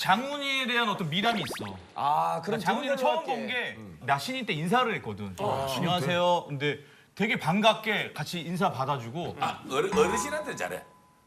장훈이에 대한 어떤 미담이 있어. 아, 그럼 장훈이를 처음 본 게 나 신인 때 인사를 했거든. 안녕하세요. 근데 되게 반갑게 같이 인사 받아주고. 아, 어르신한테 잘해.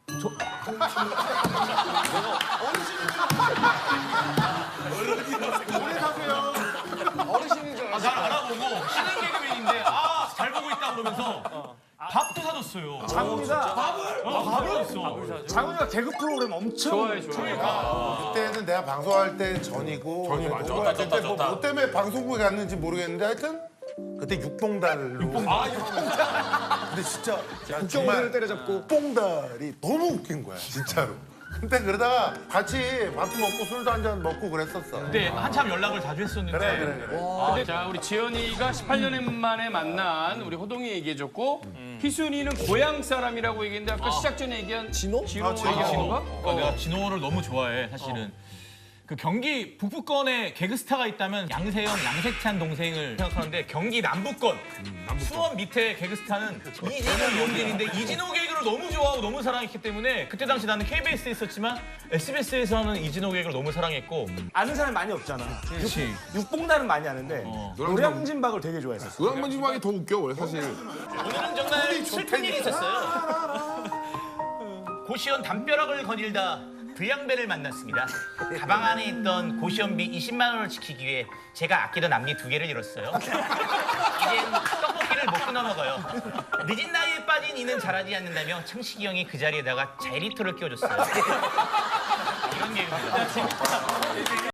어르신인 줄 알았어. 날 알아보고 신인 개그맨인데 잘 보고 있다 그러면서 밥도 사줬어요. 장훈이가 밥을 줬어. 장훈이가 개그 프로그램 엄청 좋아해. 그때는 내가 방송할 때 전이고 그때 뭐 때문에 방송국에 갔는지 모르겠는데 하여튼 그때 육봉달로 근데 진짜 국경을 때려잡고 육봉달이 너무 웃긴 거야 진짜로. 근데 그러다가 같이 밥도 먹고 술도 한잔 먹고 그랬었어. 그때 한참 연락을 자주 했었는데 그래. 자, 우리 지연이가 18년 만에 만난 우리 호동이 얘기해줬고 희순이는 고향 사람이라고 얘기했는데 아까 시작 전에 얘기한 진호? 진호 얘기한 건가? 내가 진호를 너무 좋아해 사실은. 그 경기 북부권에 개그스타가 있다면 양세형, 양세찬 동생을 생각하는데 경기 남부권 수원 밑에 개그스타는 이진호, 이용진인데 이진호 개그를 너무 좋아하고 너무 사랑했기 때문에 그때 당시 나는 KBS에 있었지만 SBS에서는 이진호 개그를 너무 사랑했고. 아는 사람이 많이 없잖아. 그렇지. 육봉달은 많이 아는데 노량진박을 되게 좋아했었어. 노량진박이 더 웃겨 원래 사실. 오늘은 정말 슬픈 일이 있었어요. 고시원 담벼락을 거닐다 불량배를 만났습니다. 가방 안에 있던 고시원비 20만 원을 지키기 위해 제가 아끼던 앞니 2개를 잃었어요. 이젠 떡볶이를 못 끊어 먹어요. 늦은 나이에 빠진 이는 자라지 않는다며 창식이 형이 그 자리에다가 자일리터를 끼워줬어요. 이런 얘기입니다.